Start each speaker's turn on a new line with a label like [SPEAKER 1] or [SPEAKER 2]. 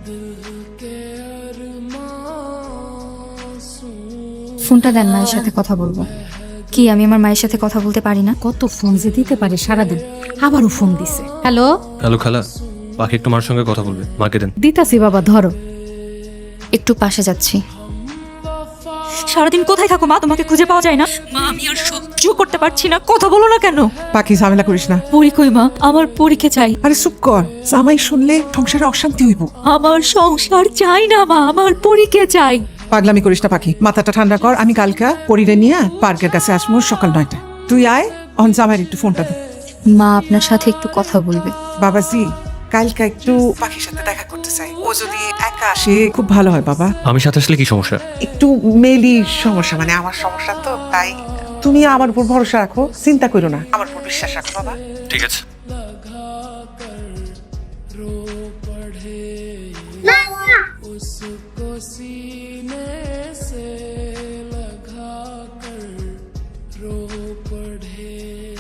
[SPEAKER 1] ফোনটা দেন, মায়ের সাথে কথা বলবো। কি আমি আমার মায়ের সাথে কথা বলতে পারি না?
[SPEAKER 2] কত ফোন যে দিতে পারে সারাদিন, আবারও ফোন দিছে। হ্যালো,
[SPEAKER 3] হ্যালো খালা, পাখি একটু মার সঙ্গে কথা বলবে, মাকে দেন।
[SPEAKER 2] দিতাছি বাবা, ধরো।
[SPEAKER 1] একটু পাশে যাচ্ছি।
[SPEAKER 4] সারাদিন কোথায় থাকো মা? তোমাকে খুঁজে পাওয়া যায় না মা। আমি আর সহ্য করতে পারছি না, কথা বলো না কেন?
[SPEAKER 5] পাখি ঝামেলা করিস না।
[SPEAKER 4] পরী কই মা? আমার পরীকে চাই।
[SPEAKER 5] আরে চুপ কর, জামাই শুনলে সংসারে অশান্তি হইব।
[SPEAKER 4] আমার সংসার চাই না মা, আমার পরীকে চাই।
[SPEAKER 5] পাগলামি করিস না পাখি, মাথাটা ঠান্ডা কর। আমি কালকা পরিরে নিয়ে পার্কের কাছে আসবো সকাল 9টায়। তুই আয়, অন জামাইয়ের একটু ফোনটা দে।
[SPEAKER 1] মা আপনার সাথে একটু কথা বলবে।
[SPEAKER 5] বাবাজি, কালকা একটু পাখির সাথে দেখা করতে চাই। ও যদি একা আসে খুব ভালো হয় বাবা।
[SPEAKER 3] আমি সাথে আসলে কি সমস্যা?
[SPEAKER 5] একটু মেলি সমস্যা, মানে আমার সমস্যা তো, তাই তুমি আমার উপর ভরসা রাখো, চিন্তা করো না, আমার উপর বিশ্বাস রাখো বাবা।
[SPEAKER 3] ঠিক আছে।
[SPEAKER 6] सीने से लगा कर रो पड़े।